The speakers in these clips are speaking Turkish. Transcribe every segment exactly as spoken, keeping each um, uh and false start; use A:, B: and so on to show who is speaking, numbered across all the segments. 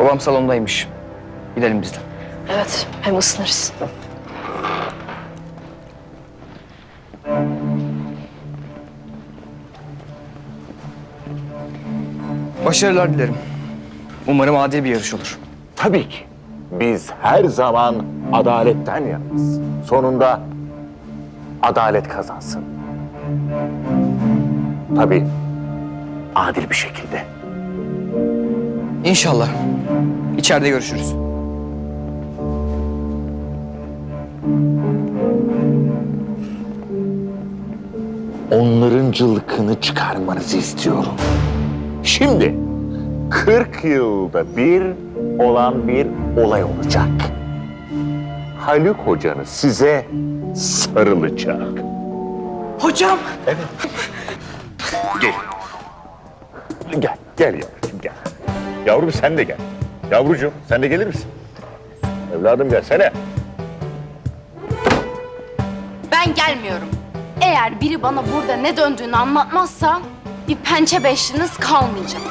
A: Babam salondaymış. Gidelim biz de.
B: Evet, hem ısınırız.
A: Başarılar dilerim. Umarım adil bir yarış olur.
C: Tabii ki. Biz her zaman adaletten yanız. Sonunda adalet kazansın. Tabii adil bir şekilde.
A: İnşallah. İçeride görüşürüz.
C: Onların cılkını çıkarmanızı istiyorum. Şimdi kırk yılda bir olan bir olay olacak. Haluk hocanız size sarılacak.
A: Hocam!
C: Evet. Gel. Gel, gel yavrucuğum gel. Yavrum sen de gel. Yavrucuğum sen de gelir misin? Evladım gelsene.
D: Ben gelmiyorum. Eğer biri bana burada ne döndüğünü anlatmazsa bir pençe beşliniz kalmayacak.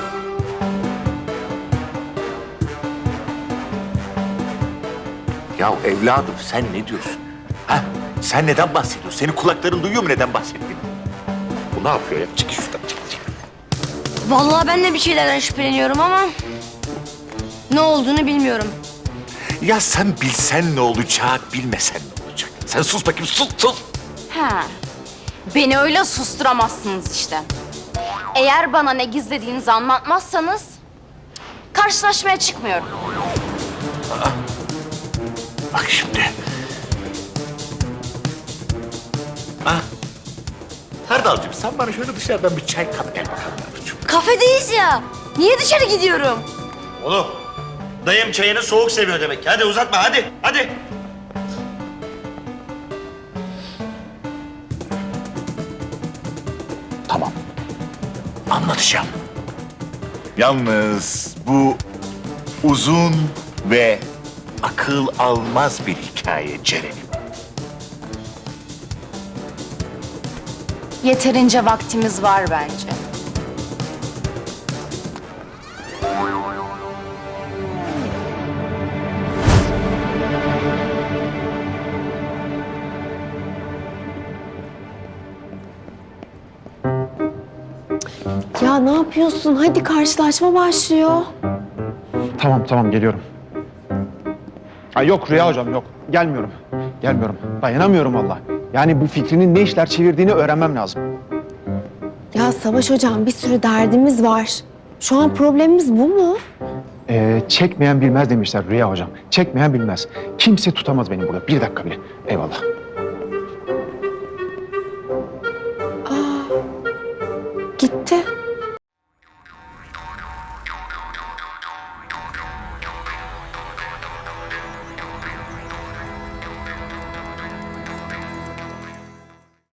C: Ya evladım sen ne diyorsun? Ha? Sen neden bahsediyorsun? Senin kulakların duyuyor mu neden bahsettiğini? Bu ne yapıyor ya? Çık şuradan, çık, çık.
B: Vallahi ben de bir şeylerden şüpheleniyorum ama ne olduğunu bilmiyorum.
C: Ya sen bilsen ne olacak, bilmesen ne olacak? Sen sus bakayım, sus, sus.
D: He. Beni öyle susturamazsınız işte. Eğer bana ne gizlediğinizi anlatmazsanız karşılaşmaya çıkmıyorum.
C: Bak şimdi. Ah. Hardalcığım sen bana şöyle dışarıdan bir çay kap gel bakalım yavrucuğum.
B: Kafedeyiz ya. Niye dışarı gidiyorum?
E: Oğlum, dayım çayını soğuk seviyor demek. Hadi uzatma, hadi, hadi.
C: Tamam. Anlatacağım. Yalnız bu uzun ve akıl almaz bir hikaye Ceren'im.
D: Yeterince vaktimiz var bence.
F: Ya ne yapıyorsun? Hadi karşılaşma başlıyor.
G: Tamam tamam geliyorum. Ay yok Rüya hocam yok. Gelmiyorum. Gelmiyorum. Dayanamıyorum valla. Yani bu fikrinin ne işler çevirdiğini öğrenmem lazım.
F: Ya Savaş hocam bir sürü derdimiz var. Şu an problemimiz bu mu?
G: Ee, çekmeyen bilmez demişler Rüya hocam. Çekmeyen bilmez. Kimse tutamaz beni burada. Bir dakika bile. Eyvallah.
F: Gitti.